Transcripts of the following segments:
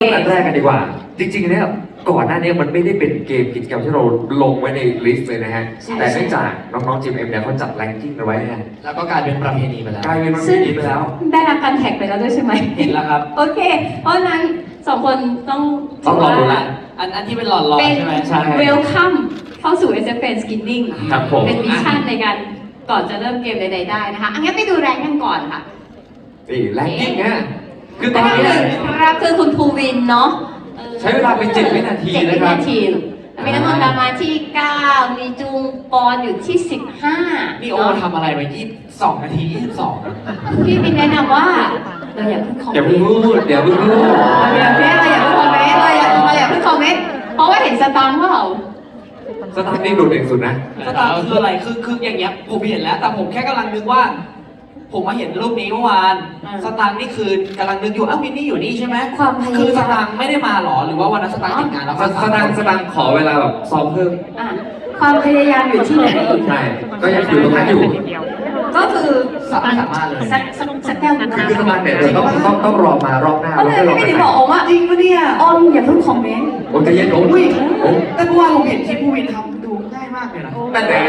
อันแรกกันดีกว่า จริงๆเนี่ยก่อนหน้านี้มันไม่ได้เป็นเกมกิจกรรมที่เราลงไว้ในลิสต์เลยนะฮะ แต่เนื่องจากน้องๆ GMM เนี่ยเขาจัดแรงกิ้งเอาไว้ฮะแล้วก็กลายเป็นประเพณีไปแล้วกลายเป็นประเพณีไปแล้วได้รับการแท็กไปแล้วด้วยใช่ไหมเห็นแล้วครับโอเค เพราะฉะนั้นสองคนต้องต้องรอดูละอันที่เป็นหลอดเป็นๆใช่ไหมใช่ welcome เข้าสู่ SFN Skinning ครับผมเป็นมิชชั่นในการก่อนจะเริ่มเกมใดๆได้นะคะอันนี้ไปดูแรงกันก่อนค่ะนี่แรงกิ้งเนี่ยคือตอนนี้ครับคือคุณภูวินเนาะใช้เวลาเป็น7 วินาที 7 นะวิครันาบทีมีน้ำมันดามาที่ 9 มีจุงปอนอยู่ที่ 15 นี่โอทำอะไรไป22 นาที 22 พี่มินแนะนำว่าเราอย่าเพิ่งคอมอย่าเมเพิ่งนต์พูดอย่าเพิ่งพูดเราอย่าเพิ่งคอมเมนต์เราอย่าเพิ่งคอมเมนต์เพราะว่าเห็นสตางค์เปล่าสตาร์ทนี่โดดเด่นสุดนะสตาร์คืออะไรคืออย่างเงี้ยผมเห็นแล้ว แต่ผมแค่กำลังนึกว่า ผมมาเห็นรูปนี้เมื่อวาน สตางค์นี่คือกำลังนึกอยู่วินนี่อยู่นี่ใช่ไหมความพยายามคือสตางค์ไม่ได้มาหรอ หรือว่าวันนั้นสตางค์ติดงานแล้วสตางค์ขอเวลาแบบซ้อมเพิ่มอ่ะความพยายามอยู่ที่ไหนใช่ ก็ยังอยู่ตรงนั้นอยู่ก็คือสามารถเลยสักแก้วนึงคือสตางค์เนี่ยเดี๋ยวต้องรอมารอบหน้าก็เลยแล้วไม่ค่อยได้รบอกออมว่าจริงปะเนี่ยอมอย่าเพิ่งคอมเมนต์โอ้ใจเย็นโอ้อุ้ยโอ้แต่เมื่อวานผมเห็นที่ผู้วินทำดูง่ายมากเลยนะนั่นแหละ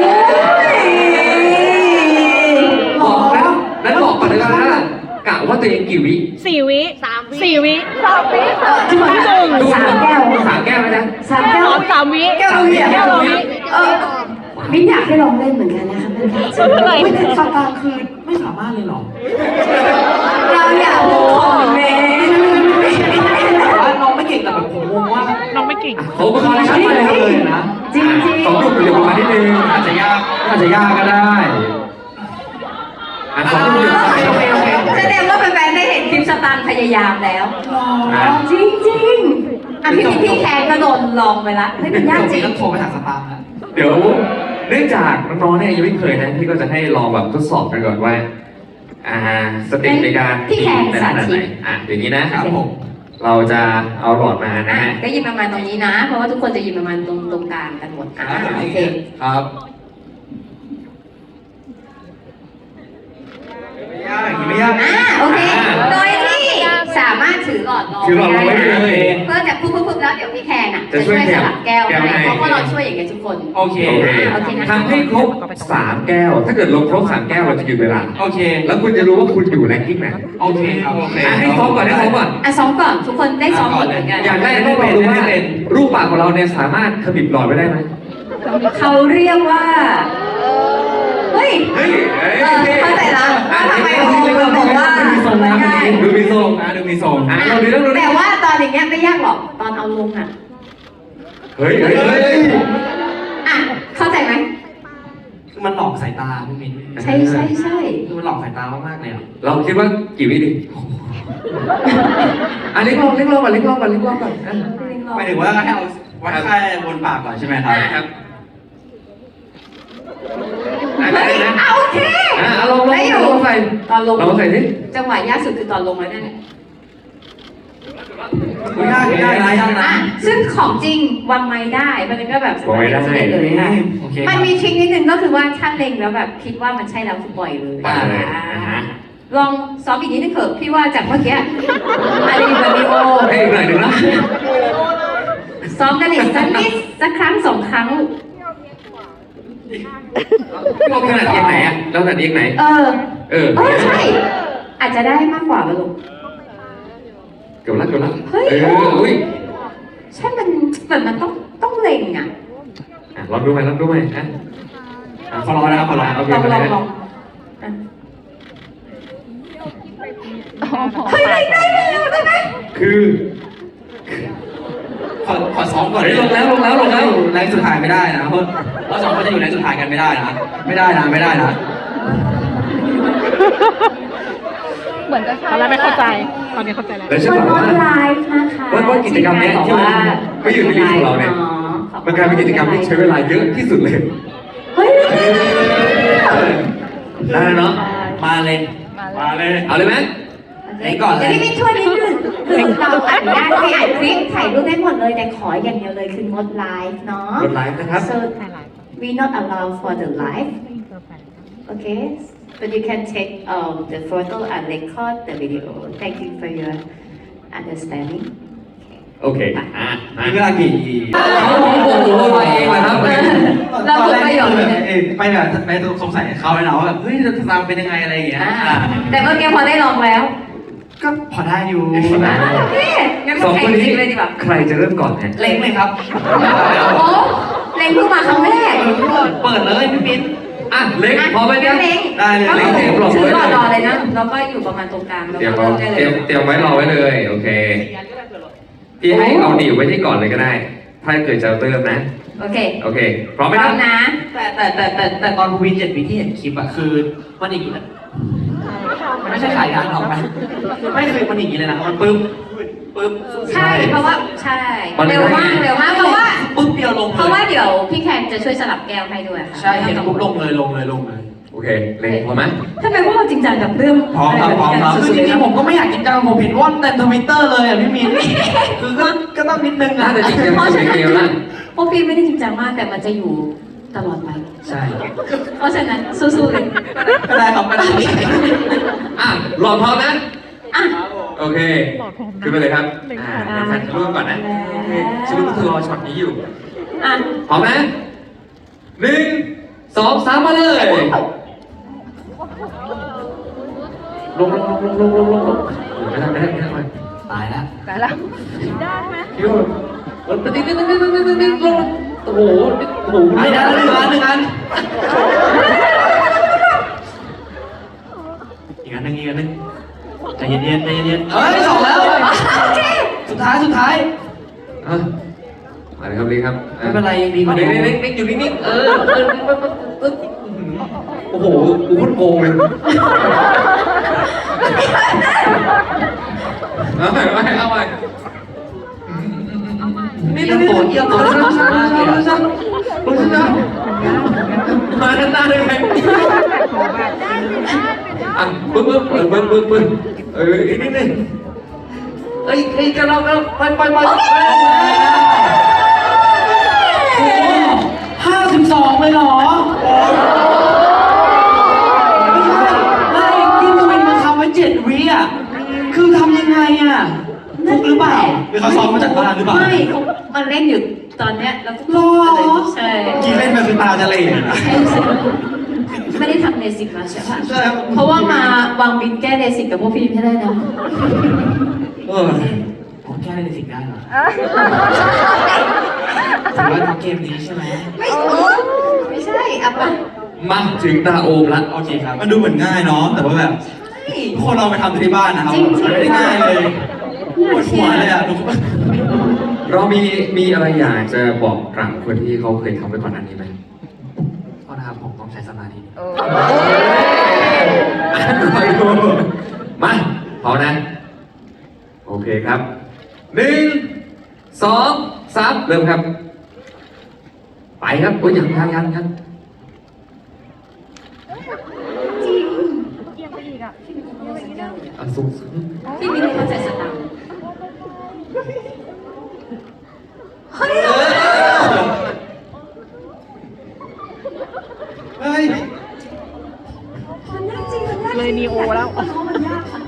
บอกแล้วนั้นบอกก่อนเลยนะกะว่าตัวเองกี่วิ 4 วิ4 วิที่มันสามแก้วสามแก้วไหมจ๊ะสามแก้ว 3 วิแก้วละวิแก้วละวิมิ้นอยากให้ลองเล่นเหมือนกันนะคะเป็นการสนุกไม่แต่สตางค์คือไม่สามารถเลยหรอเราอยากคอมเมนต์แต่ว่าน้องไม่เก่งแต่แบบผมงงว่าน้องไม่เก่งเขาก็มาชัดเลยนะจริงจริงสองลูกเดี๋ยวประมาณนิดนึงอาจจะยากก็ได้สองลูกเดี๋ยวแสดงว่าแฟนๆได้เห็นคลิปสตางค์พยายามแล้ว จริงจริงๆอ่ะพี่แคนก็โดนลองไปละเฮ้ยมันยากจริงต้องโทรไปหาสตางค์นะเดี๋ยวเนื่องจากน้องๆเนี่ยยังไม่เคยนะพี่ก็จะให้ลองแบบทดสอบกันก่อนว่าสเต็ปในการพี่แคนเป็นสาขนาดธิไหนตอย่างนี้นะครับผมเราจะเอาหลอดมานะฮะก็ยิงประมาณตรงนี้นะ เพราะว่าทุกคนจะยิงประมาณตรงกลางกันหมดโอเคครับไม่ยากอย่างนี้ไม่ยากโอเค โดยที่สามารถถือหลอดรอถือหลอดรอไว้เลยเพื่อจะปุ๊บแล้วเดี๋ยวพี่แคนอ่ะจะจะช่ช่ววย ยแก้สวลับแก้วแก้วให้ให้เพราะเราช่วยอย่างเงี้ยทุกคนโอเคโอเคโอเคนะทำให้ครบ3 แก้ว ถ้าเกิดลงครบ3 แก้วเราจะหยุดเวลาโอเคแล้วคุณจะรู้ว่าคุณอยู่แรงกิ้งไหนโอเคครับโอเคให้ซ้อมก่อนอ่ะซ้อมก่อนทุกคนได้ซ้อมหมดเหมือนกันอยากได้ให้เราดูว่ารูปปากของเราเนี่ยสามารถขมิบหลอดไว้ได้ไหมเขาเรียกว่า เฮ้ยเฮ้ยเข้าใจละว่าทำไมโอมบอกว่ามันง่ายดูมีทรงดูมีทรงเราดูต้องดูแต่ว่าตอนอย่างเงี้ยไม่ยากหรอก ตอนเอาลงอ่ะเฮ้ยอ่ะ เข้าใจไหมคือมันหลอกสายตาพี่มิ้นใช่คือมันหลอกสายตามากๆเลยอ่ะเราคิดว่ากี่วิดีเล็กลองก่อนหมายถึงว่าให้เอาวัดค่าบนปากก่อนใช่ไหมครับครับเฮ้ยโอเคลองใส่ตอนลงลองใส่สิจังหวะยากสุดคือตอนลงแล้วนั่นแหละไม่ได้นะอ่ะซึ่งของจริงวางไม้ได้ มันก็แบบสบายเลยค่ะโอเคมันมีทริคนิดนึงก็คือว่าถ้าเล็งแล้วแบบคิดว่ามันใช่แล้วคือปล่อยเลย ลองซ้อมอีกนิดนึงเถอะพี่ว่าจากเมื่อกี้อารีวิดีโอให้อีกหน่อยหนึ่งนะซ้อมกันอีกสักครั้ง2 ครั้งเราขนาดเอียงไหนอ่ะเราขนาดเอียงไหนใช่ อาจจะได้มากกว่าป่ะลูกเกือบแล้วเฮ้ยอุ้ยใช่มันแบบมันต้องเล็งอ่ะลองดูไหมขอรอนะครับขอรอโอเคลองอ่ะเฮ้ยได้ไหมคือขอซ้อมก่อนลงแล้วแรงสุดท้ายไม่ได้นะเพราะเราสองคนจะอยู่แรงสุดท้ายกันไม่ได้นะไม่ได้นะเหมือนจะตอนแรกไม่เข้าใจ ตอนนี้เข้าใจแล้วแล้วใช่มันป่ะออนไลน์นะคะว่ากิจกรรมเนี้ยที่มันไม่อยู่ในลิสต์ของเราเนี่ยมันกลายเป็นกิจกรรมที่ใช้เวลาเยอะที่สุดเลยเฮ้ยได้เนาะมาเลยเอาเลยไหมเดี๋ยวพี่ช่วยนิดนึงคือเราอนุญาตให้อัดคลิปถ่ายรูปได้หมดเลยแต่ขออย่างเดียวเลยคืองดไลฟ์เนาะกดไลค์นะครับ so we not allow for the live okay but you can take the photo and record the video thank you for your understanding โอเคมีเวลากี่โอ้โหมาเองเลยครับเราฝึกประโยชน์เลยไปแบบไปสงสัยเขาเลยนะว่าแบบเฮ้ยจะทำเป็นยังไงอะไรอย่างเงี้ยแต่เมื่อกี้พอได้ลองแล้วก็พอได้อยู่โอเคงั้นสมาองแข่คนงนี้จริงเลยดีกว่าใครจะเริ่มก่อนเนี่ยเล็งเลยครับโอ้เล็งเพิ่งมาครั้งแรกเปิดเลยพี่มิ้นอ่ะเล็กพอไหมเนี่ยเล็งได้เลยก็เล็งถือรอเลยนะแล้วก็อยู่ประมาณตรงกลางแล้วเตรียมก็เอาเริ่มได้เตรีเลย ยมเตรียมไว้รอไว้เลยโอเคพี่ให้เอาหนีบไว้ที่ก่อนเลยก็ได้ ถ้าเกิดจะเริ่มนะโอเคโอเคพร้อมไหมพคร้อรับมนะแต่ตอนวี7วิที่เห็นคลิปอะคือมันอย่างนี้นะมันไม่ใช่ขายยานหรอกนะไม่คือมันอย่างนี้เลยนะมันปึ๊บใช่เพราะว่าใช่เร็วมากเพราะว่าปึ๊บเดียวลงเพเลราะยว่าเดี๋ยวพี่แคนจะช่วยสลับแก้วให้ด้วยค่ะใช่เห็นปุ๊บลงเลยโอเคเล็กพอไหมทำไมพวกเราจริงจังกับเรื่องพร้อมครับคือจริงๆผมก็ไม่อยากจริงจังผมเห็นว่อนแต่ทวิตเตอร์เลยอ่ะพี่มินคือก็ต้องนิดนึงน่าอ่ะจะจริงจังสุดเกมละพวกพี่ไม่ได้จริงจังมากแต่มันจะอยู่ตลอดไปใช่เพราะฉะนั้นสู้ๆเลยก็ได้ครับก็ได้อ่ะรอพร้อมนะอ่ะโอเคขึ้นไปเลยครับแฟนร่วมก่อนนะโอเคฉันรู้ว่าเธอรอช็อตนี้อยู่อ่ะพร้อมนะ1 2 3มาเลยลงไม่ได้ตายแล้วไปแล้วคิวติ๊งลงโอ้โหไปได้แล้ว1 อันอีกอันหนึ่งใจเย็นเฮ้ย2แล้วสุดท้ายมาเลยครับลิงครับไม่เป็นไรยังดีกว่าเด็กอยู่นิ่งโอ้โหกูโคตรโกงเลยเอาไปเอียงตัวมาด้านหน้าเลยไหมอ่ะปึ๊บนิดนึงเอ้ยกันเราไป 52เลยเหรอไม่ที่ทวินมาทำไว้7 วิอ่ะคือทำยังไงอ่ะฟุกหรือเปล่าหรือเขาซ้อมมาจากบ้านหรือเปล่าไม่เขามันเล่นอยู่ตอนเนี้ยแล้วหรอใช่กินเล่นไปคือตาจะเหล่นะไม่ได้ทำเนสิกมาใช่ปะใช่ครับเพราะว่ามาวางบินแก้เนสิกกับพวกพี่ไม่ได้นะผมแค่เล่นสิ่งได้เหรอถือว่าทำเกมนี้ใช่ไหมไม่ใช่อ่ะปะมาถึงตาโอมละโอเคครับมันดูเหมือนง่ายเนาะแต่ว่าแบบใช่ทุกคนเราไปทำที่บ้านนะครับจริงๆมันไม่ได้ง่ายเลยปวดหัวเลยอ่ะทุกคนเรามีอะไรอยากจะบอกกลับคนที่เขาเคยทำไปก่อนหน้านี้ไหมโทษนะครับผมต้องใช้สมาธิคอยดูมาพร้อมนะ โอเคครับ1 2 3เริ่มครับ ไปครับโอ้ยยังจริงอ่ะสูงพี่ไม่ได้เข้าใจสตางค์เฮ้ยเฮ้ยมันยากจริงมันยากจริงเลยนีโอแล้วมันยากค่ะ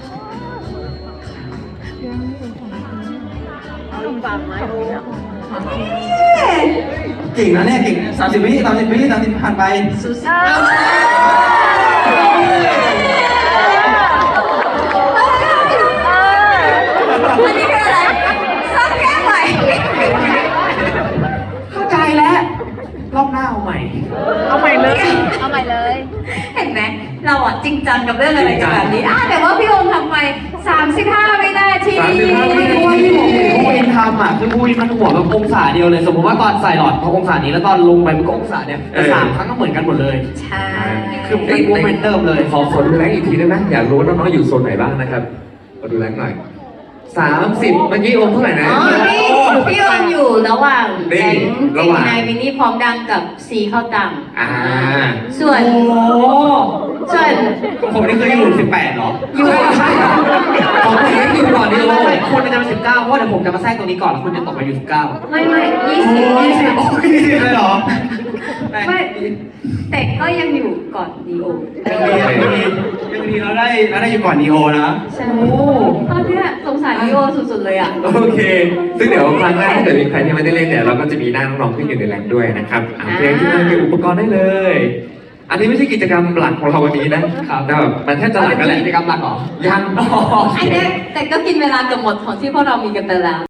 เก่งนะเนี่ยเก่ง30 วิผ่านไปสู้ๆอันนี้คืออะไรซ้ำแก้ใหม่เข้าใจแล้วรอบหน้าเอาใหม่เอาใหม่เลยเห็นไหมเราอ่ะจริงจังกับเรื่องอะไรกันแบบนี้แต่ว่าพี่โอมทำไป35วินาทีไม่รู้ว่าที่ผมเห็นผู้วินทำอ่ะคือผู้วินมันหัวแบบองศาเดียวเลย สมมติว่าตอนใส่หลอดเขาองศานี้แล้วตอนลงไปมันก็องศาเนี่ยแต่3 ครั้งก็เหมือนกันหมดเลยใช่คือเป็นโมเมนเติมเลยขอดูแรงอีกทีได้ไหมอยากรู้ว่าน้องๆอยู่โซนไหนบ้างนะครับขอดูแรงหน่อย30เมื่อกี้โอมเท่าไหร่นะพี่โอมอยู่ระหว่างนี่แก๊งระหว่างนายวินนี่พร้อมดังกับซีเข้าตัง ส่วนโอ้ส่วนผมนี่เคยอยู่18เหรออยู่ใช่ของผมยังอยู่ก่อนนี่โอมคุณจะมา19เพราะเดี๋ยวผมจะมาแทรกตรงนี้ก่อนแล้วคุณจะตกไปอยู่19 ไม่20 โอ้ย20เลยเหรอไม่แต่ก็ยังอยู่ก่อนดีโอยังดีเราได้อยู่ก่อนนีโอนะใช่ตอนเนี้ยสงสารดีโอสุดๆเลยอ่ะโอเค ซึ่งเดี๋ยวครั้งหน้าถ้าเกิดมีใครที่ไม่ได้เล่นเนี่ยเราก็จะมีหน้าน้องๆที่อยู่ในแลนด้วยนะครับโอเคที่นั่นมีอุปกรณ์ได้เลย อันนี้ไม่ใช่กิจกรรมหลักของเราวันนี้นะครับแต่แบบมันแทบจะหลักกันแหละกิจกรรมหลักเหรอยังอันเนี้ยแต่ก็กินเวลาเกือบหมดของที่พวกเรามีกันไปแล้ว